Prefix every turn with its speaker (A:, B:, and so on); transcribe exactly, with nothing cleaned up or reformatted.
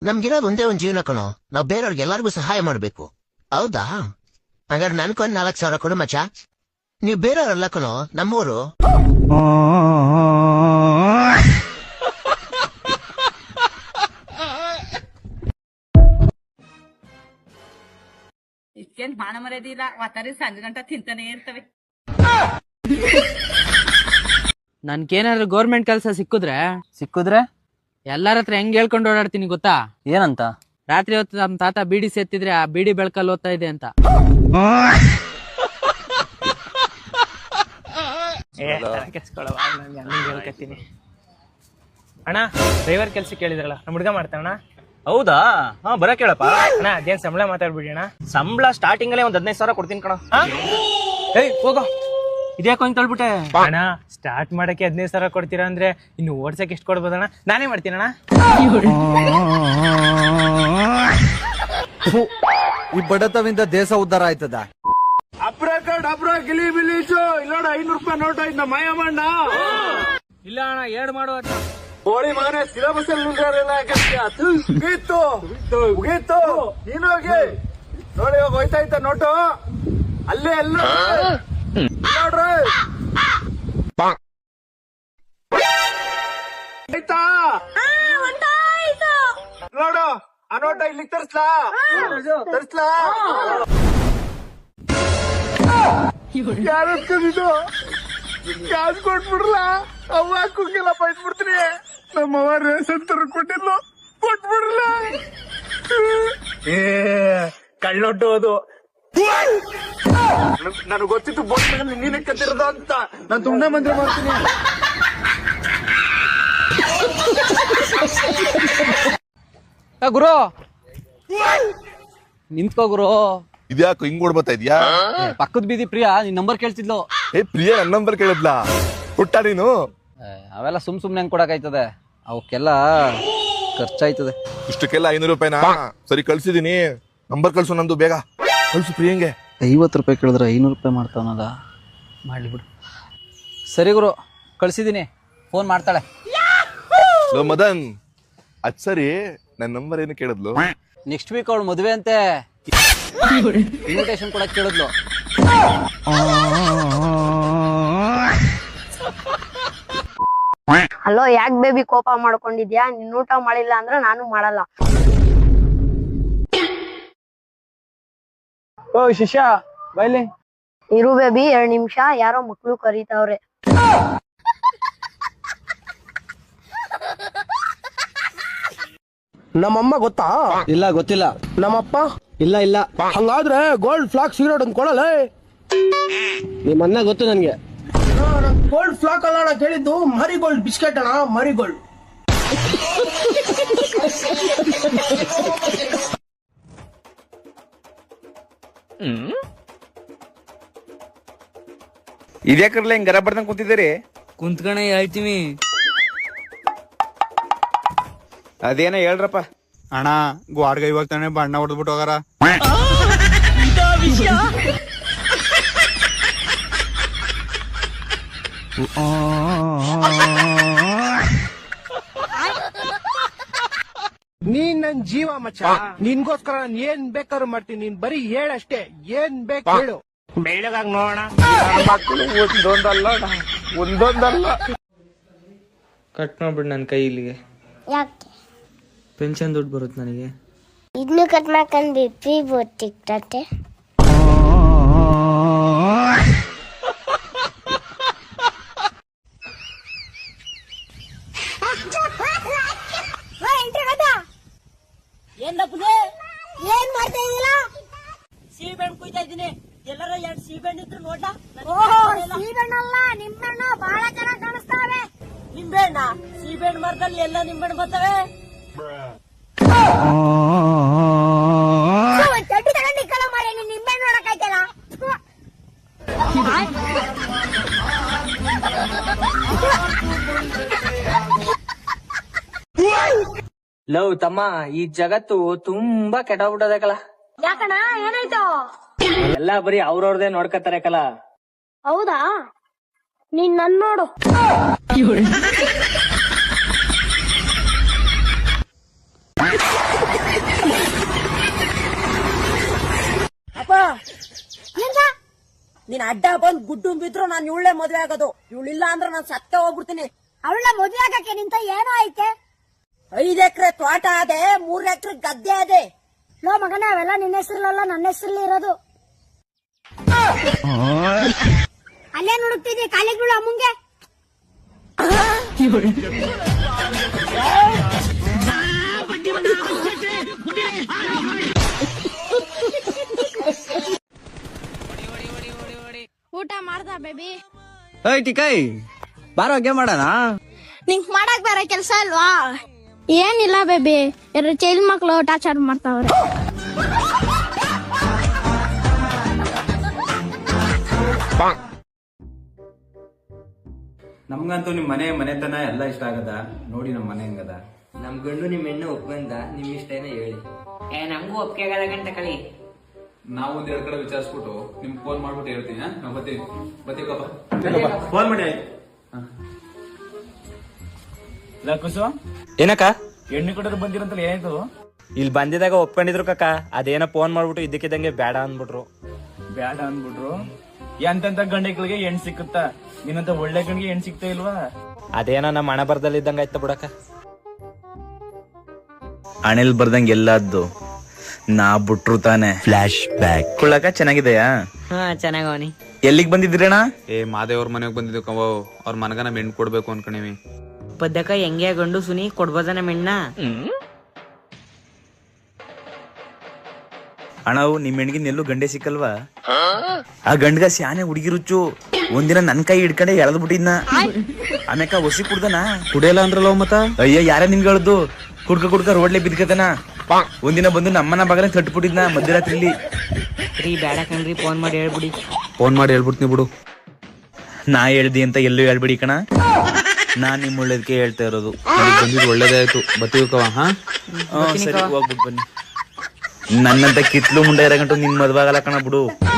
A: ನಮ್ಗಿರೋದು ಒಂದೇ ಒಂದ್ ಜೀವನ ಕಣೋ, ನಾವ್ ಬೇರೆಯವ್ರಿಗೆ ಎಲ್ಲಾರ್ಗು ಸಹಾಯ ಮಾಡ್ಬೇಕು. ಹೌದಾ? ಹಾಗಾದ್ರೆ ನನ್ಕೊಂದ್ ನಾಲ್ಕು ಸಾವಿರ ಕೊಡು ಮಚ್ಚ. ನೀವ್ ಬೇರೆಯವ್ರಲ್ಲ ಕಣೋ, ನಮ್ಮೂರು.
B: ಇಷ್ಟೇನ್ ಮಾನ ಮರ್ಯಾದಿಲ್ಲ, ವಾತಾರಿ ಸಂಜೆ ಗಂಟ ತಿಂತಾನೆ ಇರ್ತವೆ.
C: ನನ್ಗೇನಾದ್ರು ಗೌರ್ಮೆಂಟ್ ಕೆಲಸ ಸಿಕ್ಕಿದ್ರೆ
D: ಸಿಕ್ಕಿದ್ರೆ
C: ಎಲ್ಲಾರ ಹತ್ರ ಹೆಂಗ್ ಹೇಳ್ಕೊಂಡು ಓಡಾಡ್ತೀನಿ ಗೊತ್ತಾ?
D: ಏನಂತ?
C: ರಾತ್ರಿ ಹೊತ್ತು ನಮ್ ತಾತ ಬೀಡಿ ಸೇತ್ತಿದ್ರೆ ಆ ಬೀಡಿ ಬೆಳಕಲ್ಲಿ ಓದ್ತಾ ಇದೆ ಅಂತ.
E: ಅಣ್ಣ ಡ್ರೈವರ್ ಕೆಲ್ಸ ಕೇಳಿದ್ರಲ್ಲ, ನಮ್ ಹುಡ್ಗ ಮಾಡ್ತಾನ.
D: ಹೌದಾ? ಹಾ ಬರ ಕೇಳಪ್ಪ.
E: ಅಣ್ಣ ಅದೇನ್ ಸಂಬಳ ಮಾತಾಡ್ಬಿಡಿ ಅಣ್ಣ.
D: ಸಂಬಳ ಸ್ಟಾರ್ಟಿಂಗ್ ಅಲ್ಲೇ ಒಂದ್ ಹದಿನೈದು ಸಾವಿರ ಕೊಡ್ತೀನಿ ಕಣ.
E: ಏಯ್ ಹೋಗೋ.
D: ಇದ್ಯಾಕೋ ಹಿಂಗ್ ತಳ್ಬಿಟ್ಟೆ?
E: ಅಣ್ಣ ಸ್ಟಾರ್ಟ್ ಮಾಡಕ್ಕೆ ಹದಿನೈದು ಸಾವಿರ ಕೊಡ್ತೀರಾ ಅಂದ್ರೆ ಇನ್ನು ಓಡ್ಸಕ್ ಎಷ್ಟು ಕೊಡ್ಬೋದಣ್ಣ? ನಾನೇ ಮಾಡ್ತೀನಿ ಅಣ್ಣ.
F: ಈ ಬಡತವಿಂದ ದೇಶ ಉದ್ಧಾರ ಆಯ್ತದ.
E: ಇಲ್ಲೋಡ ಐನೂರು ರೂಪಾಯಿ ನೋಟ್ ಆಯ್ತು ಮಾಯ ಮಾಡ. ಇಲ್ಲ ಅಣ್ಣ ಎರಡು ಮಾಡುವ ಹೋಳಿ ಮಗನೇ ಸಿಲೆಬಸ್ ಅಲ್ಲಿ ಮುಗೀತು ಮುಗೀತು. ನೀನು ಹೋಗಿ ನೋಡಿ, ಇವಾಗ ಹೋಯ್ತಾ ಇತ್ತ ನೋಟು ಅಲ್ಲೇ ಎಲ್ಲ ನೋಡ್ರಿ ಆಯ್ತಾ. ನೋಡು ಆ ನೋಟ ಇಲ್ಲಿಗೆ ತರ್ಸ್ಲಾ ತರ್ಸ್ಲಾ ಯಾರು ಕ್ಯಾಶ್ ಕೊಟ್ಬಿಡ್ಲ ಅವ್ವ ಕುಕ್ಕೆಲ್ಲ ಬೈಟ್ಬಿಡ್ತೀನಿ. ನಮ್ಮ ಅವ್ವ ರೇಷನ್ ತರ ಕೊಟ್ಟಿಲ್ಲ, ಕೊಟ್ಬಿಡ್ಲ. ಏ ಕಳ್ಳೊಟ್ಟು ಅದು ನನಗೆ ಗೊತ್ತಿತ್ತು. ಬೋಟ್ ನೀನೇ ಕತ್ತಿರೋದು ಅಂತ ನಾನು ತುಂಬಾ ಮಂತ್ರ ಮಾಡ್ತೀನಿ.
C: ಗುರು ನಿಂತ್ಕೋ ಗುರು.
G: ಇದ್ಯಾಕೋ ಹಿಂಗ್ ಓಡ್ಬತ್ತಾ ಇದ್ಯಾ?
C: ಪಕ್ಕದ ಬೀದಿ ಪ್ರಿಯಾ ನಿನ್ ನಂಬರ್ ಕೇಳ್ತಿದ್ಲು.
G: ಏ ಪ್ರಿಯಾ ನನ್ ನಂಬರ್ ಕೇಳಿದ್ಲಾ? ಹುಟ್ಟ ನೀನು
D: ಅವೆಲ್ಲ ಸುಮ್ ಸುಮ್ನೆ ಹೆಂಗ್ ಕೊಡಕಾಯ್ತದೆ? ಅವಕ್ಕೆಲ್ಲ ಖರ್ಚಾಯ್ತದೆ.
G: ಇಷ್ಟಕ್ಕೆಲ್ಲ ಐನೂರು ರೂಪಾಯಿನಾ? ಸರಿ ಕಳ್ಸಿದೀನಿ, ನಂಬರ್ ಕಳ್ಸು ನಂದು, ಬೇಗ ಕಳ್ಸು ಪ್ರಿಯಂಗೆ.
D: ಐವತ್ತು ರೂಪಾಯಿ ಕೇಳಿದ್ರೆ ಐನೂರು ರೂಪಾಯಿ ಮಾಡ್ತಾವನಲ್ಲ, ಮಾಡ್ಲಿ ಬಿಡು. ಸರಿ ಗುರು ಕಳ್ಸಿದೀನಿ, ಫೋನ್ ಮಾಡ್ತಾಳೆ.
G: ಲೋ ಮದನ್, ಅದ್ ಸರಿ ನನ್ ನಂಬರ್ ಏನು ಕೇಳಿದ್ಲು?
D: ನೆಕ್ಸ್ಟ್ ವೀಕ್ ಅವಳು ಮದುವೆ ಅಂತೆ, ಇನ್ವಿಟೇಷನ್ ಕೊಡಕ್ ಕೇಳಿದ್ಲು.
H: ಹಲೋ, ಯಾಕೆ ಬೇಬಿ ಕೋಪ ಮಾಡ್ಕೊಂಡಿದ್ಯಾ? ನಿನ್ ಊಟ ಮಾಡಿಲ್ಲ ಅಂದ್ರೆ ನಾನು ಮಾಡಲ್ಲ.
E: ಓ ಶಿಷ್ಯ ಬೈಲಿ.
H: ಇರು ಬೇಬಿ, ಎರಡ್ ನಿಮಿಷ, ಯಾರೋ ಮಕ್ಳು ಕರೀತಾವ್ರೆ.
I: ನಮ್ಮಮ್ಮ ಗೊತ್ತಾ?
F: ಇಲ್ಲ ಗೊತ್ತಿಲ್ಲ.
I: ನಮ್ಮಪ್ಪ?
F: ಇಲ್ಲ ಇಲ್ಲ.
I: ಹಂಗಾದ್ರೆ ಗೋಲ್ಡ್ ಫ್ಲಾಕ್ ಸಿಗರೇಟ್ ಅಂತ ಕೊಡಲ್ಲ.
F: ನಿಮ್ಮ ಅಣ್ಣ ಗೊತ್ತು ನನ್ಗೆ.
I: ಗೋಲ್ಡ್ ಫ್ಲಾಕ್ ಅಲ್ಲ ಅಣ್ಣ ಕೇಳಿದ್ದು, ಮರಿ ಗೋಲ್ಡ್ ಬಿಸ್ಕೆಟ್ ಅಣ್ಣ, ಮರಿ ಗೋಲ್ಡ್.
F: ಇದ್ಯಾಕ್ರಲ್ಲ ಹಿಂಗ್ ಗರ ಬಡ್ದಂಗ್ ಕುಂತಿದ್ದೀರಿ?
C: ಕುಂತ್ಕಣ ಹೇಳ್ತೀವಿ.
F: ಅದೇನ ಹೇಳ್ರಪ್ಪ.
J: ಅಣ್ಣ ಗ್ವಾಡ್ಗ ಇವಾಗ ತಾನೆ ಬಣ್ಣ ಹೊಡೆದ್ಬಿಟ್ಟು ಹೋಗಾರ.
I: ನೀನ್ ನನ್ ಜೀವ ಮಚ್ಚ, ನಿನ್ಗೋಸ್ಕರ ನಾನ್ ಏನ್ ಬೇಕಾದ್ರೂ ಮಾಡ್ತೀನಿ. ನೀನ್ ಬರೀ ಹೇಳಷ್ಟೇ, ಏನ್ ಬೇಕು ಹೇಳು. ಬೆಳ್ಳಗಾಗಿ ನೋಡೋಣ.
E: ಒಂದೊಂದಲ್ಲ ಒಂದೊಂದಲ್ಲ ಕಟ್ ಮಾಡ್ಬಿಡ್ ನನ್ ಕೈ ಇಲ್ಲಿಗೆ.
K: ಯಾಕೆ?
E: ಪೆನ್ಷನ್ ದುಡ್ಡು ಬರುತ್ತೆ ನನಗೆ.
K: ಇದನ್ನು ಕಟ್ ಮಾಡ್ಕೊಂಡು ಬಿ ಪಿ ಬೋತಿಕ್ತತೆ.
B: ಏನ್ ಮಾಡ್ತಾ ಇದೀಲ್ಲ? ಸೀಬೆಹಣ್ಣು ಕುಯ್ತಾ ಇದ್ದೀನಿ. ಎಲ್ಲರ ಎರಡು ಸೀಬೆಹಣ್ಣು ಇದ್ರು ನೋಡ್ಲಾ?
K: ಸೀಬೆಣ್ಣಲ್ಲ, ನಿಂಬೆಹಣ್ಣು ಬಹಳ ಚೆನ್ನಾಗಿ ಕಾಣಿಸ್ತಾವೆ.
B: ನಿಂಬೆಹಣ್ಣ? ಸೀಬೆಹಣ್ಣು ಮರದಲ್ಲಿ ಎಲ್ಲ ನಿಂಬೆಹಣ್ಣು ಬರ್ತವೆ.
K: ಚಡ್ಡಿ ತಗೊಂಡು ಕಲ ಮಾಡಿ ನೀನ್ ನಿಂಬೆಹಣ್ಣು ನೋಡಕ್ಕಾಯ್ತಲ್ಲ.
C: ಲವ್ ತಮ್ಮ, ಈ ಜಗತ್ತು ತುಂಬಾ ಕೆಟ್ಟೋಗ್ಬಿಟ್ಟದೆ ಕಲ.
K: ಯಾಕಣ್ಣ, ಏನಾಯ್ತು?
C: ಎಲ್ಲಾ ಬರೀ ಅವ್ರವ್ರದೇ ನೋಡ್ಕತಾರೆ ಕಲ.
K: ಹೌದಾ? ನೀನ್ ನನ್ ನೋಡು.
B: ನೀನ್ ಅಡ್ಡ ಬಂದ್ ಗುಡ್ಡು ಬಿದ್ರು ನಾನು ಇವಳೆ ಮದ್ವೆ ಆಗೋದು. ಇವಳಿಲ್ಲ ಅಂದ್ರೆ ನಾನು ಸತ್ತ ಹೋಗ್ಬಿಡ್ತೀನಿ.
K: ಅವಳ ಮದುವೆ ಆಗಕ್ಕೆ ನಿಂತ ಏನೋ ಐತೆ.
B: ಐದ್ ಎಕರೆ ತೋಟ ಅದೆ, ಮೂರ್ ಎಕರೆ ಗದ್ದೆ ಅದೆ.
K: ಲೋ ಮಗನೇ, ಅವೆಲ್ಲ ನಿನ್ನ ಹೆಸರಲ್ಲ, ನನ್ನ ಹೆಸರಲ್ಲಿ ಇರೋದು. ಅಲ್ಲೇ ಹುಡುಕ್ತಿದ್ದೆ ಕಾಲೇಜ್ಗಳು ಅಮ್ಮಂಗೆ. ಊಟ ಮಾಡ್ದ ಬೇಬಿ?
D: ಏಯ್ ಟಿಕೈ, ಬಾರೋ ಗೇಮ್ ಮಾಡೋಣ.
K: ನಿಂಗ್ ಮಾಡಕ್ ಬೇರೆ ಕೆಲ್ಸ ಅಲ್ವಾ? ಏನಿಲ್ಲ ಬೇಬಿ, ಎರಡು ಚೈಲ್ಡ್ ಮಕ್ಳು ಟಾರ್ಚರ್ ಮಾಡ್ತಾವ್ರೆ.
J: ನಮ್ಗಂತೂ ನಿಮ್ ಮನೆ ಮನೆತನ ಎಲ್ಲ ಇಷ್ಟ ಆಗದ. ನೋಡಿ ನಮ್ ಮನೆ ಹೆಂಗದ.
C: ನಮ್ ಗಂಡು ನಿಮ್ ಹೆಣ್ಣು ಒಪ್ಕೊಂಡ, ನಿಮ್ ಇಷ್ಟ ಏನೋ ಹೇಳಿ. ಏ ನಮಗೂ ಒಪ್ಪಿಗೆ ಆಗಲ್ಲ ಗಂಟ ಕಳಿ.
J: ನಾವು ಒಂದ್ ಎರಡ್ ಕಡೆ ವಿಚಾರಿಸ್ಬಿಟ್ಟು ನಿಮ್ಗೆ ಫೋನ್ ಮಾಡ್ಬಿಟ್ಟು ಹೇಳ್ತೀನಿ. ನಾವು ಬರ್ತೀವಿ ಬರ್ತೀವಿ ಫೋನ್ ಮಾಡಿ.
E: ಕುಸು
F: ಏನಕ್ಕ
E: ಹೆಣ್ಣು ಕೊಡೋರು ಬಂದಿರಂತಲ್ಲ, ಏನಾಯ್ತು?
F: ಇಲ್ಲಿ ಬಂದಿದಾಗ ಒಪ್ಕೊಂಡಿದ್ರು ಕಕ್ಕ. ಅದೇನೋ ಫೋನ್ ಮಾಡ್ಬಿಟ್ಟು ಇದ್ದಕ್ಕಿದ್ದಂಗೆ ಬೇಡ ಅಂದ್ಬಿಟ್ರು.
E: ಬ್ಯಾಡ ಅಂದ್ಬಿಟ್ರು. ಎಂತೆಂತ ಗಂಡೆಗಳಿಗೆ ಹೆಣ್ ಸಿಕ್ಕುತ್ತ, ನಿನ್ನಂತ ಒಳ್ಳೆ ಗಂಡಿಗೆ ಹೆಣ್ ಸಿಗ್ತಾ ಇಲ್ವಾ?
F: ಅದೇನೋ ನಮ್ಮ ಹಣ ಬರ್ದಲ್ಲಿ ಇದ್ದಂಗ ಆಯ್ತ ಬಿಡಕ್ಕ.
J: ಹಣೆಲ್ ಬರ್ದಂಗೆ ಎಲ್ಲದ್ದು ನಾ ಬಿಟ್ರು ತಾನೆ. ಫ್ಲಾಶ್ ಬ್ಯಾಕ್ ಕುಳ್ಳಕ ಚೆನ್ನಾಗಿದೆಯಾ?
C: ಹಾ ಚೆನ್ನಾಗವನಿ.
J: ಎಲ್ಲಿಗ್ ಬಂದಿದ್ರಣ್ಣ?
F: ಏ ಮಾದೇವ್ರ ಮನೆಗ್ ಬಂದಿದ್ದು ಕವ. ಅವ್ರ ಮನಗನ ಮೆಣ್ ಕೊಡ್ಬೇಕು ಅನ್ಕಣಿವಿ.
C: ಪದ್ದಕ ಹೆಂಗೆ ಗಂಡು ಸುನಿ ಕೊಡ್ಬೋದನ ಮೆಣ್ಣ?
J: ಅಣ್ಣವು ನಿಮ್ ಹೆಣ್ಗಿನ ಎಲ್ಲೂ ಗಂಡೆ ಸಿಕ್ಕಲ್ವಾ? ಆ ಗಂಡ್ಗ ಸ್ಯಾನೆ ಹುಡುಗಿ ರುಚ್ಚು. ಒಂದಿನ ನನ್ ಕೈ ಹಿಡ್ಕೊಂಡೆ ಎಳ್ದ್ ಬಿಟ್ಟಿದ್ನ. ಆಮ್ಯಾಕ ಒಸಿ ಕುಡ್ದನ. ಕುಡಿಯಲ್ಲ ಅಂದ್ರಲ್ಲ ಮತ್ತ? ಅಯ್ಯ ಯಾರ ನಿಮ್ಗೆ ಹೇಳ್ದು? ಕುಡ್ಕ ಕುಡ್ಕ ರೋಡ್ಲೆ ಬಿದ್ಕತನ. ಒಂದಿನ ಬಂದು ನಮ್ಮನ ಬಾಗಲ ತಟ್ಬಿಟ್ಟಿದ್ನ ಮಧ್ಯರಾತ್ರಿಲಿ.
C: ರೀ ಬೇಡ ಕಣ್ರಿ, ಫೋನ್ ಮಾಡಿ ಹೇಳ್ಬಿಡಿ.
J: ಫೋನ್ ಮಾಡಿ ಹೇಳ್ಬಿಡ್ತೀನಿ ಬಿಡು. ನಾ ಹೇಳ್ದಿ ಅಂತ ಎಲ್ಲೂ ಹೇಳ್ಬಿಡಿ ಕಣ. ನಾನ್ ನಿಮ್ ಒಳ್ಳೇದಕ್ಕೆ ಹೇಳ್ತಾ ಇರೋದು. ಬಂದಿದ್ದು ಒಳ್ಳೇದೇ ಆಯ್ತು. ಬತ್ತೀವಿ ಕವ. ಹಾ ಸರಿ, ಹೋಗ್ಬಿಟ್ಟು ಬನ್ನಿ. ನನ್ನಂತ ಕಿತ್ಲು ಮುಂಡೆ ಇರಗಂಟು ನಿನ್ ಮದ್ವೆ ಆಗಲ್ಲ ಕಣ ಬಿಡು.